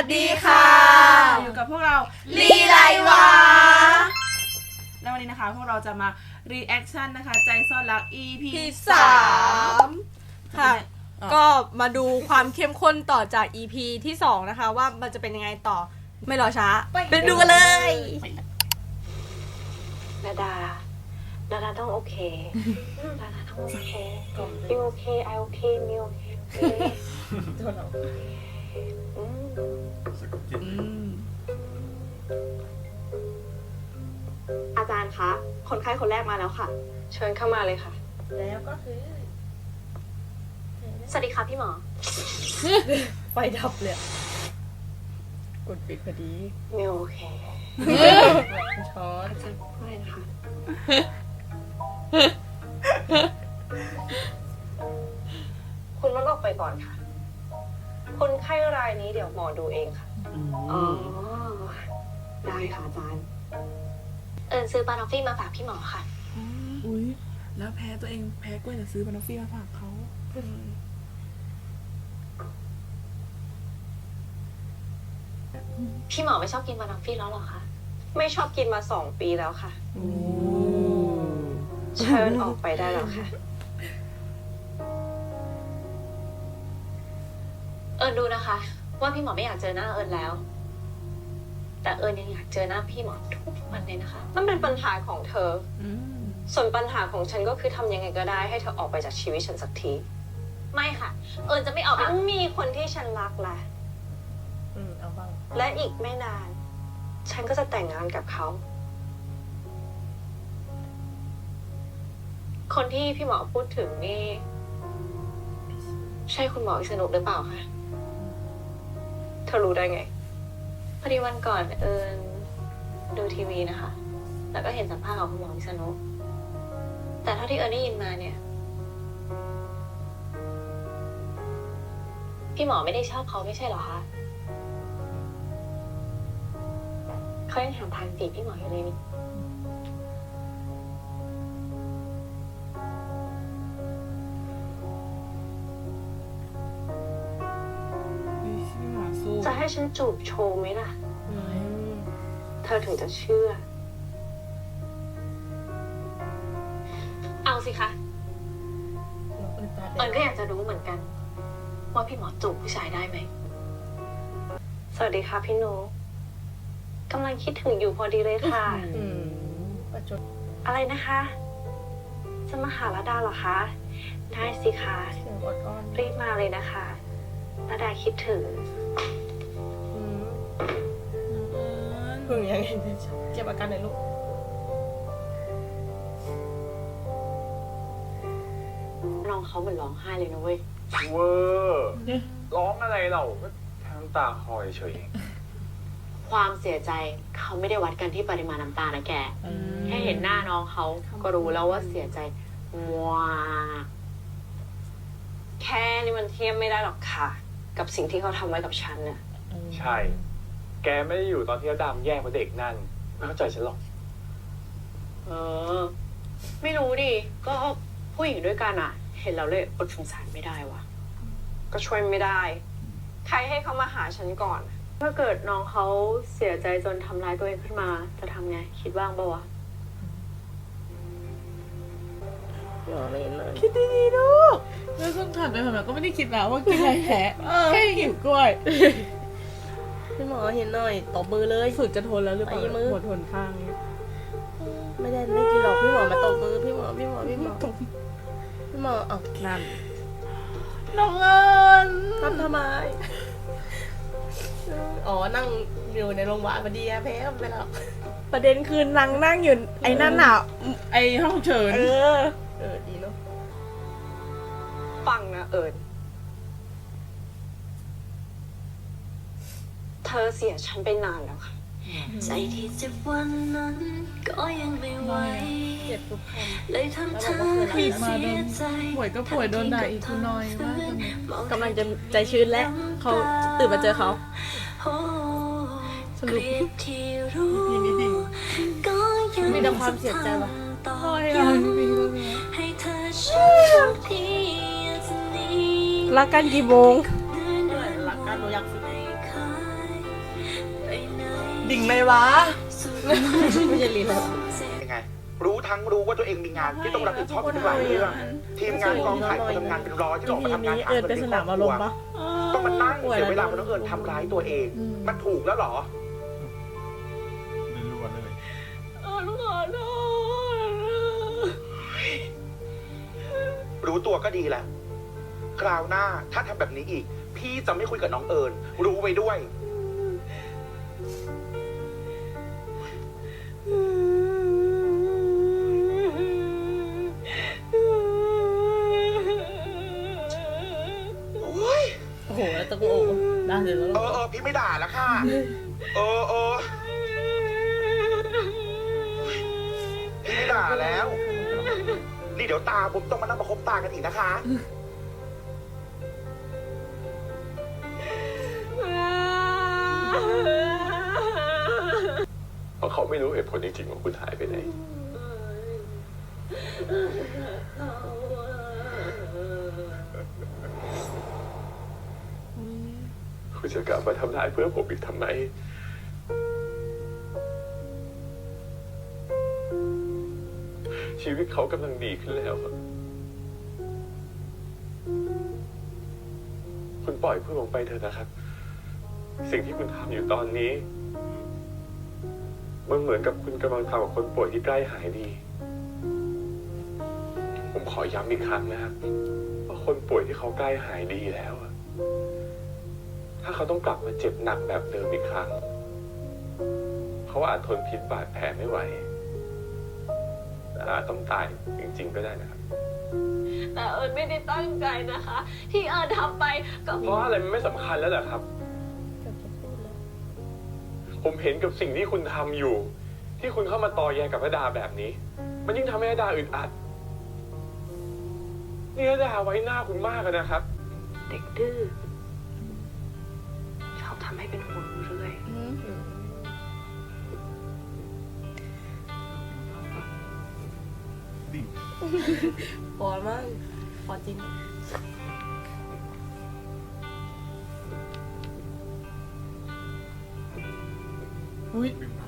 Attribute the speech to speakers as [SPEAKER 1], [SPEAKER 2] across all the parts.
[SPEAKER 1] สดีค่ะ
[SPEAKER 2] อยู่กับพวกเรา
[SPEAKER 1] ลีไลวะ
[SPEAKER 2] และวันนี้นะคะพวกเราจะมา reaction นะคะใจซ่อนรัก EP
[SPEAKER 1] 3 ค่ะก็มาดูความเข้มข้นต่อจาก EP ที่ 2 นะคะว่ามันจะเป็นยังไงต่อไม่รอช้าไปดูกันเลย
[SPEAKER 3] นาดาต้องโอเคนาดาต้องโอเคยูโอเคไอโอเคมิวโอเคอาจารย์คะคนไข้คนแรกมาแล้วค่ะเชิญเข้ามาเลยค่ะ
[SPEAKER 4] แล้วก็คือ
[SPEAKER 3] สวัสดีค่ะพี่หมอ
[SPEAKER 1] ไฟดับเลยกดปิดพอดี
[SPEAKER 3] มิวโอเค
[SPEAKER 1] ช้อน
[SPEAKER 3] อะไรนะคะคุณลดออกไปก่อนค่ะคนไข้รายนี้เดี๋ยวหมอดูเองค่ะอ๋อได้ค่ะอาจารย์ซื้อบานอฟฟี่มาฝากพี่หมอค่ะ
[SPEAKER 2] อุ้ยแล้วแพ้ตัวเองแพ้กล้วยจะซื้อบานอฟฟี่มาฝากเขา
[SPEAKER 3] พี่หมอไม่ชอบกินบานอฟฟี่แล้วหรอคะไม่ชอบกินมา2 ปีแล้วค่ะเชิญออกไปได้แล้วค่ะดูนะคะ ว่าพี่หมอไม่อยากเจอหน้าแล้ว แต่ยังอยากเจอหน้าพี่หมอทุกวันเลยนะคะนั่นเป็นปัญหาของเธอส่วนปัญหาของฉันก็คือทำยังไงก็ได้ให้เธอออกไปจากชีวิตฉันสักทีไม่ค่ะจะไม่ออกไปมีคนที่ฉันรักแหละ
[SPEAKER 4] เอาบ้าง
[SPEAKER 3] และอีกไม่นานฉันก็จะแต่งงานกับเขาคนที่พี่หมอพูดถึงนี่ใช่คุณหมอวิษณุหรือเปล่าคะเธอรู้ได้ไงพอดีวันก่อนดูทีวีนะคะแล้วก็เห็นสัมภาษณ์ของคุณหมอวิษณุแต่เท่าที่ได้ยินมาเนี่ยพี่หมอไม่ได้ชอบเขาไม่ใช่เหรอคะเขายังถามทางจีบพี่หมออยู่เลยนี่จะให้ฉันจูบโชว์ไหมล่ะเธอถึงจะเชื่อเอาสิคะก็อยากจะรู้เหมือนกันว่าพี่หมอจูบผู้ชายได้ไหมสวัสดีค่ะพี่หนูกำลังคิดถึงอยู่พอดีเลยค่ะอะไรนะคะจะมาหาระดาเหรอคะได้สิคะรีบมาเลยนะคะระดาคิดถึง
[SPEAKER 1] พึ่งยังไงเก็บอาการหน่อยลูก
[SPEAKER 3] น้องเขาเหมือนร้องไห้เลยนะเว้ย
[SPEAKER 5] เวอร์ร้องอะไรเราก็แค่น้ำตาคลอยเฉย
[SPEAKER 3] ความเสียใจเขาไม่ได้วัดกันที่ปริมาณน้ำตานะแกแค่เห็นหน้าน้องเขาก็รู้แล้วว่าเสียใจว้าแค่นี้มันเทียบไม่ได้หรอกค่ะกับสิ่งที่เขาทำไว้กับฉันน่ะ
[SPEAKER 5] ใช่แกไม่ได้อยู่ตอนที่ระดามแย่เพราะเด็กนั่นไม่เข้าใจฉันหรอก
[SPEAKER 3] ไม่รู้ดิก็ผู้หญิงด้วยกันอ่ะเห็นแล้วเลยอดสงสารไม่ได้วะก็ช่วยไม่ได้ใครให้เขามาหาฉันก่อนถ้าเกิดน้องเขาเสียใจจนทำร้ายตัวเองขึ้นมาจะทำไงคิดบ้างปะวะ
[SPEAKER 2] คิดดีๆลูกแล้วต้องถามไปถามมาก็ไม่ได้คิดนะว่ากินอะไรแพ้แค่หิวกล้วย
[SPEAKER 1] พี่หมอเห็นหน่อยตบมือเลย
[SPEAKER 2] ฝึกจะทนแล้วหรือเปล่าหมดทนข้าง
[SPEAKER 1] ไม่กินหรอกพี่หมอมาตบมือพี่หมอเอา
[SPEAKER 2] นั่นน้องเอิญ
[SPEAKER 1] ทำไมอ๋อนั่งอยู่ในโรงพยาบาลพอดีแพ้ไปแล้วประเด็นคือนางนั่งอยู่ไอ้นั่นน่ะ
[SPEAKER 2] ไอ้ห้องเชิญ
[SPEAKER 1] ดีเนาะ
[SPEAKER 3] ฟังนะเธอเสียฉันไปนานแล้วค่ะ
[SPEAKER 6] ใจที่เจ็บวันนั้นก็ยังไม่ไหวเลยทำเธอให้เสียใจ
[SPEAKER 2] ป่วยก็ป่วยโดนด่าอีกคุณน้อยมาก
[SPEAKER 1] กำลังจะใจชื้นแล้วเขาตื่นมาเจอเขาสรุป
[SPEAKER 6] ยินดี
[SPEAKER 1] มีแต่ความเสียใจว่ะรักกันกี่โมงรักกันหนูอยาก
[SPEAKER 2] ดิ่งเลยวะ
[SPEAKER 1] ไม่ใช่ลีลา
[SPEAKER 7] ยังไง รู้ทั้งรู้ว่าตัวเองมีงานที่ต้องรับผิดชอบทุกหลายเรื่องทีมงานกองถ่ายคนทำงานเป็นร้อยที่ออกมาทำงานหาเงินเลี้ยงครอบครัวต้องมานั่งเสียเวลาเพราะน้องเอิญทำร้ายตัวเอง มันถูกแล้วเหรอ
[SPEAKER 8] รัวๆเลย
[SPEAKER 2] ลูกขอโทษ
[SPEAKER 7] รู้ตัวก็ดีแหละคราวหน้าถ้าทำแบบนี้อีก พี่จะไม่คุยกับน้องเอิญรู้ไว้ด้วย โอ้ย
[SPEAKER 4] โอ้โหแล้วตะโกนด่าเสร็จแล้ว
[SPEAKER 7] พี่ไม่ด่าแล้วค่ะ พี่ไม่ด่าแล้ว นี่เดี๋ยวตาผมต้องมานั่งประคบตากันอีกนะคะ
[SPEAKER 5] เพราะเขาไม่รู้เหตุผลจริงๆว่าคุณหายไปไหน คุณจะกลับมาทำลายเพื่อนผมอีกทำไม ชีวิตเขากำลังดีขึ้นแล้วครับคุณปล่อยเพื่อนผมไปเถอะนะครับ สิ่งที่คุณทำอยู่ตอนนี้ มันเหมือนกับคุณกำลังทำกับคนป่วยที่ใกล้หายดี ผมขอย้ำอีกครั้งนะครับว่าคนป่วยที่เขาใกล้หายดีแล้วอะถ้าเขาต้องกลับมาเจ็บหนักแบบเดิมอีกครั้ง เขาอาจทนพิษบาดแผลไม่ไหวและอาจต้องตายจริงๆก็ได้นะครับ
[SPEAKER 3] แต่เอิญไม่ได้ตั้งใจนะคะ ที่เอิญทำไปก็
[SPEAKER 5] เพราะอะไรมันไม่สำคัญแล้วเหรอครับ ผมเห็นกับสิ่งที่คุณทำอยู่ ที่คุณเข้ามาตอแยกับพระดาแบบนี้ มันยิ่งทำให้พระดาอึดอัดนี่พระดาไว้หน้าคุณมากเลยนะครับ
[SPEAKER 3] เด็กดื้อชอบทำให้เป็นห่วงเรื่อย
[SPEAKER 1] พอมั้งพอจริง
[SPEAKER 2] อุ้ย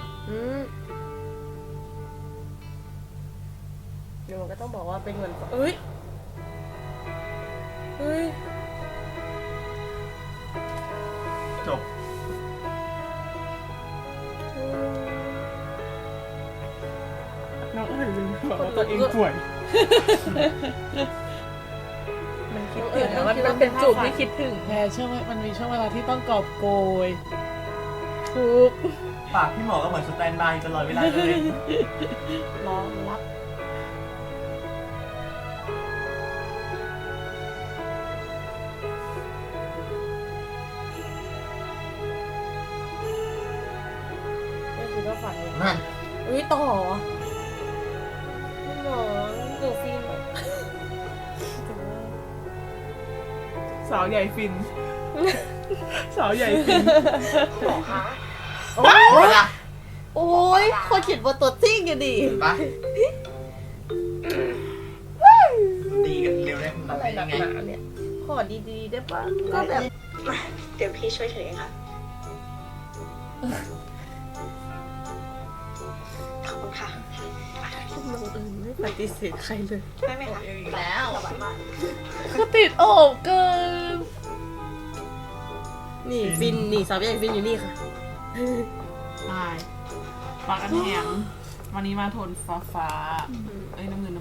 [SPEAKER 1] เดี๋ยวมันก็ต้องบอกว่าเป็นเหมือนเอ้ย เฮ้ย
[SPEAKER 8] จบ
[SPEAKER 2] น้องเอิญลืมบอกว่าตัวเองป่วย
[SPEAKER 1] มันคิดถึงนะมันเป็นจุดที่คิดถึง
[SPEAKER 2] แค่ช่วงมันมีช่วงเวลาที่ต้องกอบโกยทุก
[SPEAKER 8] ปากพี่หมอก็เหมือนสแตนบายตลอดเวลาเลย
[SPEAKER 1] รอรับไม่คิดว่าฝันเลย
[SPEAKER 8] นั่น
[SPEAKER 1] อุ้ยต่อหมอหนูฟิน
[SPEAKER 2] สาวใหญ่ฟิน สาวใหญ่ฟิน
[SPEAKER 7] หมอคะ
[SPEAKER 8] โอ้ยล่ะ
[SPEAKER 1] โอ้ยคนเขียนบทตัวจริงกันดิ
[SPEAKER 8] เห็นปะดีกันเร็วได้มัน
[SPEAKER 1] อะไร
[SPEAKER 8] เป็น
[SPEAKER 1] ห
[SPEAKER 8] ยั
[SPEAKER 1] นั
[SPEAKER 8] ง
[SPEAKER 1] ก
[SPEAKER 8] ไง
[SPEAKER 1] หนาเนี่ย ขอดีๆได้ปะก็แบบ
[SPEAKER 3] ๆ เดี๋ยวพี่ช่วยถือเองค่ะ ขอบคุณค่ะ
[SPEAKER 1] น้องอื่นไม่ปฏิเสธใครเลย
[SPEAKER 3] ได้ไหมคะ
[SPEAKER 4] อีกแล้ว
[SPEAKER 3] สบายมาก
[SPEAKER 1] คือติดโอบเกิน นี่ฟินนี่สาวใหญ่ฟินอยู่นี่ค่ะ
[SPEAKER 2] ใช่ปากกันแหงวันนี้มาโทนฟ้าเอ้ยน้ำเงิน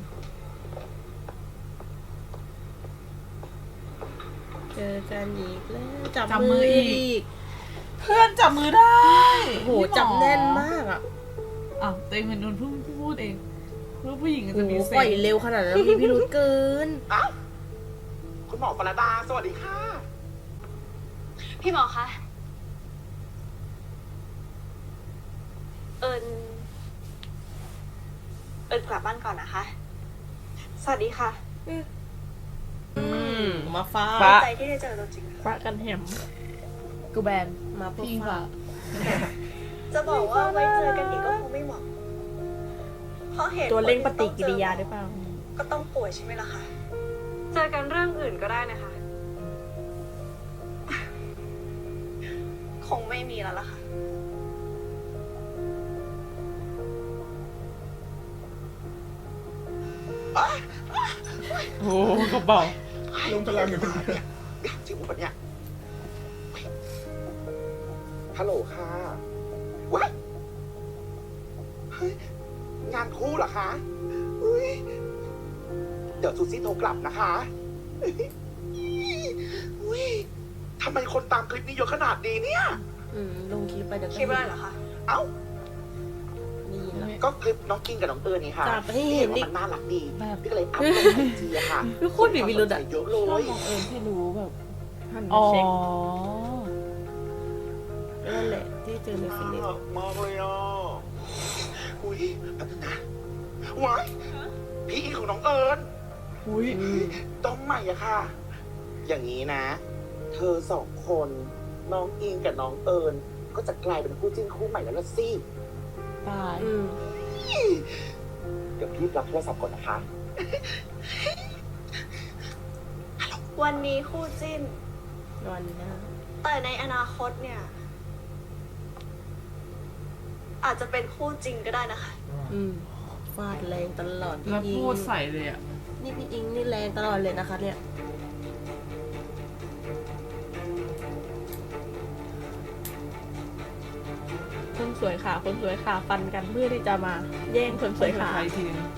[SPEAKER 1] เจอกันอีกแล้วจับ
[SPEAKER 2] จับมื
[SPEAKER 1] มือ
[SPEAKER 2] ออี
[SPEAKER 1] อีก
[SPEAKER 2] เพื่อนจับมือได้
[SPEAKER 1] โอ้โหจับแน่นมากอ่ะ
[SPEAKER 2] อ้าวตัวเองเป็นคนพูดเองผู้หญิง
[SPEAKER 1] โอ้
[SPEAKER 2] จะ
[SPEAKER 1] โห
[SPEAKER 2] มีเซ
[SPEAKER 1] ปล่อย
[SPEAKER 2] นส์
[SPEAKER 1] เร็วขนาดนั้นมีพิรุธเกิน
[SPEAKER 7] อ้าวคุณหมอปรดาสวัสดีค่ะ
[SPEAKER 3] พี่หมอคะ เอิญกลับบ้านก่อนนะคะ สวัสดีค่ะ
[SPEAKER 1] มาฟ้า
[SPEAKER 2] ฟ้า
[SPEAKER 3] ใจที่ได้เจอตัวจริง
[SPEAKER 1] ฟ้ากันแหม
[SPEAKER 2] กูแบน
[SPEAKER 1] มาพบ
[SPEAKER 2] พิง
[SPEAKER 1] ฟ้า
[SPEAKER 2] ฟ้า
[SPEAKER 3] จะบอกว่าไว้เจอกันอีกก็คงไม่เหมาะเพราะเหตุ
[SPEAKER 1] ตัวเร่งปฏิกิริยาได้เปล่า
[SPEAKER 3] ก็ต้องป่วยใช่ไหมล่ะคะ เจอกันเรื่องอื่นก็ได้นะคะ คงไม่มีแล้วล่ะค่ะ
[SPEAKER 2] โอ้กระเป๋า
[SPEAKER 7] ลงพลังอยู่คนเดียวอยากจิ้มปะเนี่ยฮัลโหลค่ะว้ายเฮ้ยงานคู่เหรอคะอุ๊ยเดี๋ยวซูซี่โทรกลับนะคะอุ๊ยทำไมคนตามคลิปนี้เยอะขนาดนี้เนี่ย
[SPEAKER 4] ลงคลิปไปเดี๋ยว
[SPEAKER 3] คิดว่าอะไรเหรอคะ
[SPEAKER 7] เอ้า
[SPEAKER 4] นี่แหละ
[SPEAKER 7] ก็คลิปน้องกินกับน้องเอิญนี่ค่ะ
[SPEAKER 4] จับให้เห็นดิ
[SPEAKER 7] พี่ว่ามันน่ารักดี
[SPEAKER 2] แบบ
[SPEAKER 7] พี่ก็เลยอัพลงไอจีอะค่ะ
[SPEAKER 4] ทุกคนมีพิรุธอะ
[SPEAKER 7] เยอะเล
[SPEAKER 2] ชอบ
[SPEAKER 7] ย
[SPEAKER 2] มองเอิญให้รู้แบบ
[SPEAKER 4] หัน
[SPEAKER 2] อ๋
[SPEAKER 4] มา
[SPEAKER 2] อ
[SPEAKER 4] เช็คนั่นแหละที่เจอในฟิลิป
[SPEAKER 7] มากเลยอ่ะอุ้ยแป๊บนึงนะว้ายพี่อีของน้องเอิญ
[SPEAKER 2] อุ้ย
[SPEAKER 7] ต้องใหม่อะค่ะ อย่างนี้นะ เธอสองคนน้องอิงกับน้องเอิญก็จะกลายเป็นคู่จิ้นคู่ใหม่แล้วละสิ
[SPEAKER 2] ตาย
[SPEAKER 7] เดี๋ยวพี่รับโทรศัพท์ก่อนนะคะ
[SPEAKER 3] วันนี้คู่จิ้น
[SPEAKER 4] วันหน้า
[SPEAKER 3] แต่ในอนาคตเนี่ย อาจจะเป็นคู่จริงก็ได้นะคะ
[SPEAKER 4] ฟาดแรงตลอด
[SPEAKER 2] แล้ว
[SPEAKER 4] พี่อิง
[SPEAKER 2] พูดใส่เลยอ่ะ
[SPEAKER 4] นี่พี่อิงนี่แรงตลอดเลยนะคะเนี่ย คนสวยขาคนสวยขาฟันกันเพื่อที่จะมาแย่งคนสวยขา
[SPEAKER 2] ใครทีนึง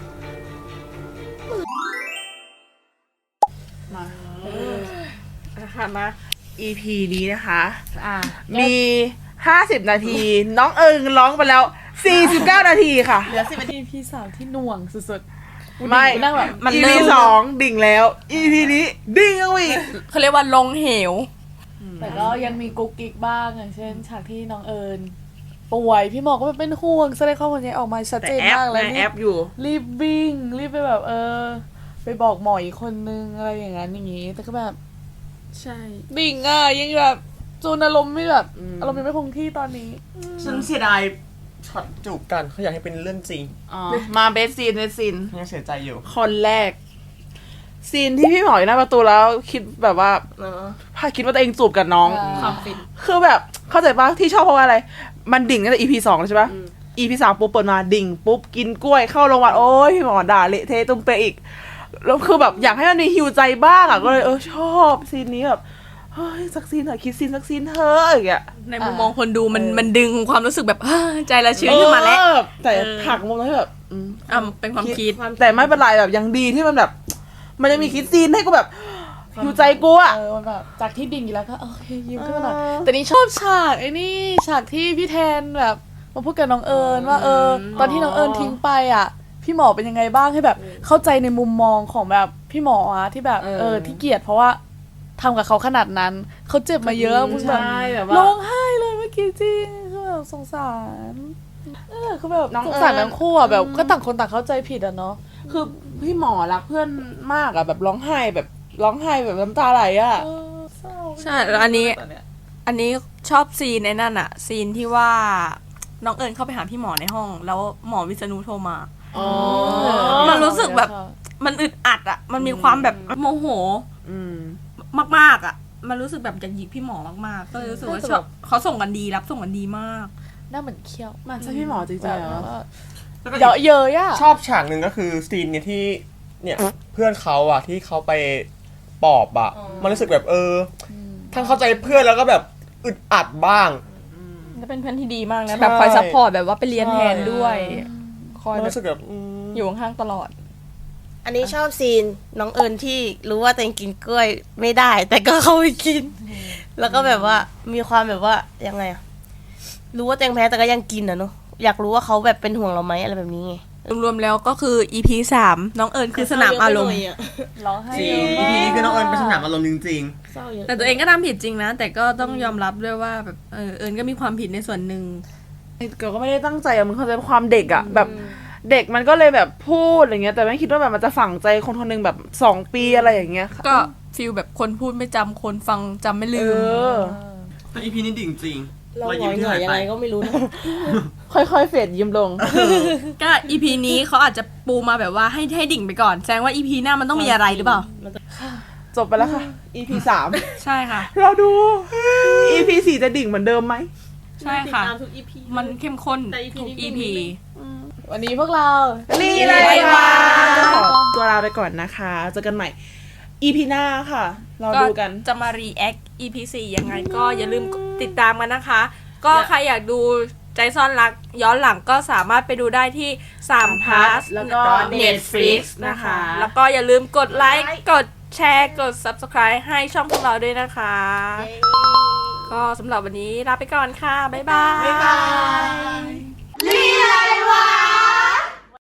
[SPEAKER 2] มา
[SPEAKER 4] ค่ะมา
[SPEAKER 2] EP นี้นะคะมี 50 นาที น้องเอิงร้องไปแล้ว 49 นาทีค่ะ
[SPEAKER 4] เหลือ10 นาที
[SPEAKER 2] EP 3ที่หน่วงสุดๆ
[SPEAKER 4] ไม่
[SPEAKER 2] นั่งแบบ
[SPEAKER 1] มัน
[SPEAKER 2] EP
[SPEAKER 1] เริ่ม
[SPEAKER 2] 2 ดิ่งแล้ว EP นี้ดิ่งเอาอีก
[SPEAKER 1] เขาเรียกว่าลงเหว
[SPEAKER 9] แต่ก็ยังมีกุ๊กกิ๊กบ้างอย่างเช่นฉากที่น้องเอิญป่วยพี่หมอก็เป็นห่วงแสดงความห่วงใยออกมาชัด
[SPEAKER 2] แต่
[SPEAKER 9] เจน
[SPEAKER 2] แอป
[SPEAKER 9] มากเลย
[SPEAKER 2] นะแอปอยู่
[SPEAKER 9] รีบวิ่งรีบไปแบบไปบอกหมออีกคนนึงอะไรอย่างนั้นอย่างงี้ แต่ก็แบบ
[SPEAKER 4] ใช่
[SPEAKER 9] ดิ่งอ่ะยังแบบจูนอารมณ์ไม่แบบอารมณ์ยังไม่คงที่ตอนนี้
[SPEAKER 8] ฉันเสียดายช็อตจูบกันเขาอยากให้เป็นเรื่องจริง
[SPEAKER 2] มาเบสซีน
[SPEAKER 8] ยังเสียใจอยู่
[SPEAKER 2] คนแรก ซีนที่พี่หมออยู่หน้าประตูแล้วคิดแบบว่า
[SPEAKER 4] เนาะ
[SPEAKER 2] คิดว่าตัวเองจูบกับน้อง
[SPEAKER 4] ความฟิน
[SPEAKER 2] คือแบบเข้าใจปะที่ชอบเพราะว่าอะไร มันดิ่งตั้งแต่ EP 2แล้วใช่ปะ EP 3ปุ๊บเปิดมาดิ่งปุ๊บกินกล้วยเข้าโรงพยาบาลโอ้ยพี่หมอด่าเละเทะตุ้มเปะอีกแล้วคือแบบอยากให้มันมีฮิวใจบ้างอ่ะก็เลยชอบซีนนี้แบบเฮ้ยสักซีนเถอะคิดซีนสักซีนเถอะอย่างเงี้ย
[SPEAKER 1] ในมุมมองคนดูมันดึงความรู้สึกแบบ ใจละชื้นขึ้นมาแล้ว
[SPEAKER 2] แต่ผักมุมนั้นแบบ
[SPEAKER 1] เป็นความคิด
[SPEAKER 2] แต่ไม่เป็นไรแบบยังดีที่มันแบบ มันยังมีคิดซีนให้กูแบบฮิวใจกูอ่ะ
[SPEAKER 9] มันแบบจากที่ดิ่งอยู่แล้วก็โอเคยิ้มขึ้นมาหน่อยแต่นี่ชอบฉากไอ้นี่ฉากที่พี่แทนแบบมาพูดกับน้องเอิญว่าตอนที่น้องเอิญทิ้งไปอ่ะ พี่หมอเป็นยังไงบ้างให้แบบเข้าใจในมุมมองของแบบพี่หมออะที่แบบที่เกลียดเพราะว่าทำกับเขาขนาดนั้นเขาเจ็บมาเยอะมึงแบบ
[SPEAKER 2] ใช่แบบว่า
[SPEAKER 9] ร้องไห้เลยเมื่อกี้จริงคือแบบสงสารคือแบบ
[SPEAKER 2] น้อง
[SPEAKER 9] สงสาร
[SPEAKER 2] เอิญ
[SPEAKER 9] ทั้งคู่อ่ะแบบก็ต่างคนต่างเข้าใจผิดอ่ะเนาะ
[SPEAKER 2] คือพี่หมอรักเพื่อนมากอ่ะแบบร้องไห้แบบน้ำตาไหลอ่ะ
[SPEAKER 9] เศร้า
[SPEAKER 1] ใช่แล้วอันนี้
[SPEAKER 9] ตเย
[SPEAKER 1] อันนี้ชอบซีนในนั่นอะซีนที่ว่าน้องเอิญเข้าไปหาพี่หมอในห้อง แล้วหมอวิษณุโทรมา
[SPEAKER 2] อ๋อ
[SPEAKER 1] มันรู้สึกแบบ มันอึดอัดอะมันมีความแบบโมโหมากๆอะมันรู้สึกแบบอยากหยิกพี่หมอมากๆก็เลยรู้สึกว่าชอบเขาส่งกันดีรับส่งกันดีมาก
[SPEAKER 9] หน้าเหมือนเคี้ยว
[SPEAKER 2] มันใช่พี่หมอจริงๆเหรอ
[SPEAKER 9] เยอะเยอะอ่ะ
[SPEAKER 8] ชอบฉากหนึ่งก็คือซีนเนี่ยที่เนี่ยเพื่อนเขาอะที่เขาไปปอบอะมันรู้สึกแบบทั้งเข้าใจเพื่อนแล้วก็แบบอึดอัดบ้าง
[SPEAKER 1] ก็เป็นเพื่อนที่ดีมากนะ
[SPEAKER 8] ใช่
[SPEAKER 1] แบบคอยซัพพอร์ตแบบว่าไปเรียนแทนด้วยคอย
[SPEAKER 8] มัน
[SPEAKER 1] แบบ
[SPEAKER 8] รู้สึกแบบ
[SPEAKER 1] อยู่ข้างๆตลอด
[SPEAKER 4] อันนี้ชอบซีนน้องเอิญที่รู้ว่าตัวเองกินกล้วยไม่ได้ แต่ก็เข้าไปกิน แล้วก็แบบว่ามีความแบบว่ายังไงอะรู้ว่าตัวเองแพ้แต่ก็ยังกินอะเนาะอยากรู้ว่าเขาแบบเป็นห่วงเราไหมอะไรแบบนี้ไง
[SPEAKER 1] รวมๆแล้วก็คือ EP 3น้องเอิญคือสนามอารมณ์
[SPEAKER 9] ร้องไห้
[SPEAKER 8] จริ
[SPEAKER 9] เย
[SPEAKER 8] ง
[SPEAKER 9] อะ
[SPEAKER 8] EP
[SPEAKER 9] มาก
[SPEAKER 8] นี้คือน้องเอิญเป็นสนามอารมณ์จริง
[SPEAKER 4] เศร้าเยอะ
[SPEAKER 1] แต่ตัวเองก็ทำผิดจริงนะ แต่ก็ต้องยอมรับด้วยว่าแบบเอิญก็มีความผิดในส่วนหนึ่ง
[SPEAKER 2] ก็ไม่ได้ตั้งใจอะมึงเข้าใจความเด็กอะแบบเด็กมันก็เลยแบบพูดอะไรเงี้ยแต่ไม่คิดว่าแบบมันจะฝังใจคนคนหนึงแบบ2 ปีอะไรอย่างเงี้ย
[SPEAKER 1] ก็ฟีลแบบคนพูดไม่จำคนฟังจำไม่ลืม
[SPEAKER 8] ๆแต่ EP นี้ดิ่งจริง
[SPEAKER 4] เรา
[SPEAKER 8] รอย
[SPEAKER 4] หง
[SPEAKER 8] ยิ้
[SPEAKER 4] อ
[SPEAKER 8] ม
[SPEAKER 4] ย
[SPEAKER 8] ที่
[SPEAKER 4] หงอ
[SPEAKER 8] หาย ย
[SPEAKER 4] ยัง
[SPEAKER 8] ไป
[SPEAKER 4] ไงก็ไม่รู้นะ
[SPEAKER 2] ค่อยๆเฟดยิ้มลง
[SPEAKER 1] ก็ EP นี้เขาอาจจะปูมาแบบว่าให้ดิ่งไปก่อนแสดงว่า EP หน้ามันต้องมีอะไรหรือเปล่า
[SPEAKER 2] จบไปแล้วค่ะ EP 3
[SPEAKER 1] ใช่ค่ะ
[SPEAKER 2] เราดู EP 4จะดิ่งเหมือนเดิมไหม
[SPEAKER 1] ใช่ค่ะ
[SPEAKER 4] ติดตามทุก EP
[SPEAKER 1] มันเข้มข้น
[SPEAKER 4] แต่ EP
[SPEAKER 1] ทุก
[SPEAKER 4] นี้
[SPEAKER 1] EP
[SPEAKER 9] วันนี้พวกเรา
[SPEAKER 2] นี่เลยว่าตัวลาไปก่อนนะคะเจอกันใหม่ EP หน้าค่ะ เราดูกัน
[SPEAKER 1] จะมา react EP 4ยังไงก็อย่าลืมติดตามกันนะคะ ก็ใครอยากดูใจซ่อนรักย้อนหลังก็สามารถไปดูได้ที่3 plus
[SPEAKER 2] แล้วก็
[SPEAKER 1] Netflix นะคะ แล้วก็อย่าลืมกดไลค์กดแชร์กด subscribe ให้ช่องพวกเราด้วยนะคะ ก็สำหรับวันนี้ลาไปก่อนค่ะ บ๊ายบาย
[SPEAKER 2] บ๊ายบาย